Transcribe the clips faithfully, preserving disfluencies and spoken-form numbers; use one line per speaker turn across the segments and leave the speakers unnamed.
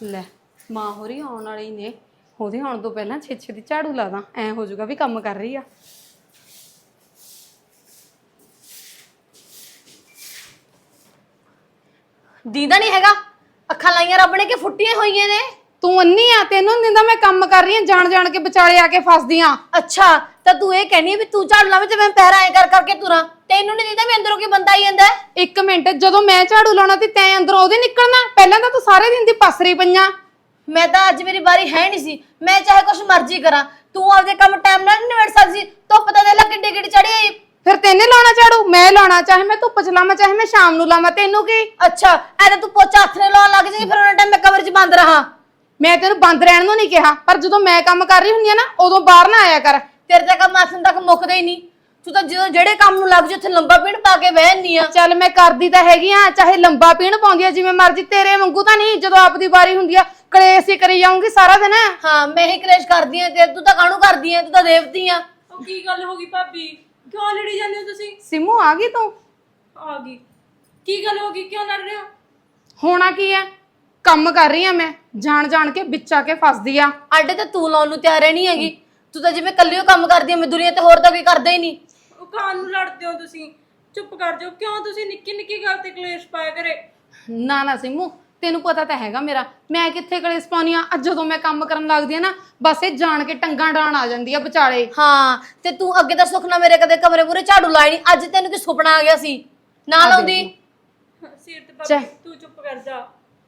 ਲੈ ਮਾਂ ਹੋਰੀ ਆਉਣ ਵਾਲੀ ਨੇ, ਉਹਦੇ ਆਉਣ ਤੋਂ ਪਹਿਲਾਂ ਛੇ ਛੇ ਦੀ ਝਾੜੂ ਲਾ ਦਾਂ, ਐ ਹੋ ਜਾਊਗਾ ਵੀ ਕੰਮ ਕਰ ਰਹੀ ਆ।
ਦੀਦਾ ਨਹੀਂ ਹੈਗਾ, ਅੱਖਾਂ ਲਾਈਆਂ ਰੱਬ ਨੇ ਕਿ ਫੁੱਟੀਆਂ ਹੋਈਆਂ ਨੇ।
ਤੂੰ ਅੰਨੀ ਆ, ਤੈਨੂੰ ਨੀ ਦਿੰਦਾ ਮੈਂ ਕੰਮ ਕਰ ਰਹੀ ਆ, ਜਾਣ ਜਾਣ ਕੇ ਵਿਚਾਲੇ ਆ ਕੇ ਫਸਦੀ ਆ।
ਅੱਛਾ ਤਾਂ ਤੂੰ ਇਹ ਕਹਿਨੀ ਵੀ ਤੂੰ ਝਾੜੂ ਲਾਵੇਂ ਤੇ ਮੈਂ ਪੈਰ ਐ ਕਰ ਕਰਕੇ ਤੁਰਾਂ, ਤੈਨੂੰ ਨਹੀਂ ਦੀਦਾ ਵੀ ਅੰਦਰੋਂ ਕੀ ਬੰਦਾ ਆਈ ਜਾਂਦਾ।
ਇੱਕ ਮਿੰਟ, ਜਦੋਂ ਮੈਂ ਝਾੜੂ ਲਾਉਣਾ ਤੇ ਤੈਂ ਅੰਦਰੋਂ ਉਹਦੇ ਨਿਕਲਣਾ? ਪਹਿਲਾਂ ਤਾਂ ਤੂੰ ਸਾਰੇ ਦਿਨ ਦੀ ਪਸਰੀ ਪਈਆਂ।
ਮੈਂ ਤਾਂ ਅੱਜ ਮੇਰੀ ਵਾਰੀ ਹੈ ਨਹੀਂ ਸੀ, ਮੈਂ ਚਾਹੇ ਕੁਛ ਮਰਜ਼ੀ ਕਰਾਂ, ਤੂੰ ਆਪਦੇ ਕੰਮ ਟਾਈਮ ਨਾਲ ਨਹੀਂ ਨਿਬੜ ਸਕਦੀ ਸੀ। ਧੁੱਪ ਤਾਂ ਦੇ ਲੈ ਕਿੱਡੀ ਕਿੱਡੀ ਚੜੀ ਆਈ।
ਫਿਰ ਤੈਨੇ ਲਾਉਣਾ ਝਾੜੂ? ਮੈਂ ਲਾਉਣਾ, ਚਾਹੇ ਮੈਂ ਧੁੱਪ ਚ ਲਾਵਾਂ ਚਾਹੇ ਮੈਂ ਸ਼ਾਮ ਨੂੰ ਲਾਵਾਂ, ਤੈਨੂੰ ਕੀ?
ਅੱਛਾ ਐ ਤਾਂ ਤੂੰ ਪੋਚਾ ਹੱਥ ਨਾਲ ਲਾਉਣ ਲੱਗ ਜਾਏਗੀ, ਫਿਰ ਉਹਨਾਂ ਟਾਈਮ ਮੈਂ ਕਮਰੇ 'ਚ ਬੰਦ ਰਹਾ।
ਮੈਂ ਤੈਨੂੰ ਬੰਦ ਰਹਿਣ ਨੂੰ ਨਹੀਂ ਕਿਹਾ, ਪਰ ਜਦੋਂ ਮੈਂ ਕੰਮ ਕਰ ਰਹੀ ਹੁੰਦੀ ਆ ਨਾ ਉਦੋਂ ਬਾਹਰ ਨਾ ਆਇਆ ਕਰ।
ਤੇਰੇ ਤਾਂ ਕੰਮ ਆਥਨ ਤੱਕ ਮੁੱਕਦਾ ਹੀ ਨਹੀਂ, ਤੂੰ ਤਾਂ ਜਦੋਂ ਜਿਹੜੇ ਕੰਮ ਨੂੰ ਲੱਗ ਜਾ ਉੱਥੇ ਲੰਬਾ ਪੀਣ ਪਾ ਕੇ ਬਹਿਨੀ ਆ।
ਚੱਲ ਮੈਂ ਕਰਦੀ ਤਾਂ ਹੈਗੀ ਆ, ਚਾਹੇ ਲੰਬਾ ਪੀਣ ਪਾਉਂਦੀ ਆ ਜਿਵੇਂ ਮਰਜ਼ੀ, ਤੇਰੇ ਵਾਂਗੂ ਤਾਂ ਨਹੀਂ ਜਦੋਂ ਆਪਦੀ ਵਾਰੀ ਹੁੰਦੀ ਆ ਕਲੇਸ਼ ਹੀ ਕਰੀ ਜਾਊਂਗੀ ਸਾਰਾ ਦਿਨ।
ਹਾਂ ਮੈਂ ਹੀ ਕਲੇਸ਼ ਕਰਦੀ ਆ ਤੇ ਤੂੰ ਤਾਂ ਕਾਹਨੂੰ ਕਰਦੀ ਆ, ਤੂੰ ਤਾਂ ਦੇਵਤੀ ਆ।
ਉਹ ਕੀ ਗੱਲ ਹੋ ਗਈ ਭਾਬੀ, ਕਿਉਂ ਲੜੀ ਜਾਂਦੇ ਹੋ ਤੁਸੀਂ?
ਸਿਮੂ ਆ ਗਈ ਤੂੰ?
ਆ ਗਈ। ਕੀ ਗੱਲ ਹੋ ਗਈ, ਕਿਉਂ ਲੜ ਰਹੇ ਹੋ?
ਹੋਣਾ ਕੀ ਆ, ਕੰਮ ਕਰ ਰਹੀ ਆ ਮੈਂ, ਜਾਣ ਜਾਣ ਕੇ ਵਿੱਚ ਆ ਕੇ ਫਸਦੀ ਆ।
ਆਡੇ ਤਾਂ ਤੂੰ ਲਾਉਣ ਨੂੰ ਤਿਆਰ ਨਹੀਂ ਹੈਗੀ, ਤੂੰ ਤਾਂ ਜਿਵੇਂ ਕੱਲੀ ਓ ਕੰਮ ਕਰਦੀ ਆ, ਮੈਂ ਦੁਨੀਆ ਤੇ ਹੋਰ ਤਾਂ ਕੋਈ ਕਰਦਾ ਹੀ ਨਹੀਂ।
ਉਹ ਕਾਨ ਨੂੰ ਲੜਦੇ ਹੋ ਤੁਸੀਂ, ਚੁੱਪ ਕਰ ਜਾਓ। ਕਿਉਂ ਤੁਸੀਂ ਨਿੱਕੀ ਨਿੱਕੀ ਗੱਲ ਤੇ ਕਲੇਸ਼ ਪਾਇਆ ਕਰੇ?
ਨਾ ਨਾ ਸਿਮੂ, ਤੈਨੂੰ ਪਤਾ ਤਾਂ ਹੈਗਾ ਮੇਰਾ, ਮੈਂ ਕਿੱਥੇ ਕਲੇਸ਼ ਪਾਉਣੀ ਆ। ਅੱਜ ਜਦੋਂ ਮੈਂ ਕੰਮ ਕਰਨ ਲੱਗਦੀ ਆ ਨਾ ਬਸ ਇਹ ਜਾਣ ਕੇ ਟੰਗਾਂ ਡਾਣ ਆ ਜਾਂਦੀ ਆ ਵਿਚਾਲੇ।
ਹਾਂ ਤੇ ਤੂੰ ਅੱਗੇ ਤਾਂ ਸੁੱਖ ਨਾ ਮੇਰੇ ਕਦੇ ਕਮਰੇ ਪੂਰੇ ਝਾੜੂ ਲਾਈ ਨਹੀਂ, ਅੱਜ ਤੈਨੂੰ ਕੀ ਸੁਪਨਾ ਆ ਗਿਆ ਸੀ ਨਾ ਲਾਉਂਦੀ?
ਸਿਰ ਤੇ ਭਾਬੀ ਤੂੰ ਚੁੱਪ ਕਰ ਜਾ।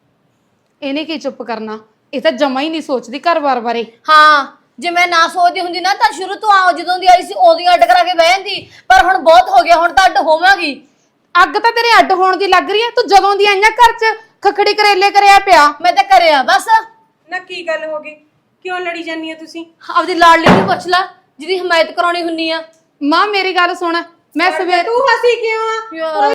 ਇਹਨੇ ਕੀ ਚੁੱਪ ਕਰਨਾ, ਇਹ ਤਾਂ ਜਮਾ ਹੀ ਨਹੀਂ ਸੋਚਦੀ ਘਰ-ਬਾਰ ਬਾਰੇ।
ਹਾਂ ਜੇ ਮੈਂ ਨਾ ਸੋਚਦੀ ਹੁੰਦੀ ਨਾ ਤਾਂ ਸ਼ੁਰੂ ਤੋਂ ਆ ਜਦੋਂ ਦੀ ਆਈ ਸੀ ਉਦੋਂ ਅੱਡ ਕਰਾ ਕੇ ਬਹਿ ਜਾਂਦੀ, ਪਰ ਹੁਣ ਬਹੁਤ ਹੋ ਗਿਆ, ਹੁਣ ਤਾਂ ਅੱਡ ਹੋਵਾਂਗੀ।
ਅੱਗ ਤਾਂ ਤੇਰੇ ਅੱਡ ਹੋਣ ਦੀ ਲੱਗ ਰਹੀ ਆ, ਤੂੰ ਜਦੋਂ ਦੀ ਆਈਆਂ ਘਰ 'ਚ ਖਖੜੀ ਕਰੇਲੇ ਕਰਿਆ ਪਿਆ।
ਮੈਂ ਤਾਂ ਕਰਿਆ ਬਸ।
ਨਾ ਕੀ ਗੱਲ ਹੋ ਗਈ, ਕਿਉਂ ਲੜੀ ਜਾਂਦੀ ਆ ਤੁਸੀਂ?
ਆਪਦੀ ਲਾਡਲੀ ਨੂੰ ਪੁੱਛ ਲੈ ਜਿਹਦੀ ਹਮਾਇਤ ਕਰਾਉਣੀ ਹੁੰਨੀ ਆ।
ਮਾਂ ਮੇਰੀ ਗੱਲ ਸੁਣ, ਮੈਂ ਸਵੇਰ
ਤੂੰ ਹੱਸੀ ਕਿਉਂ ਆ?
ਯਾਰ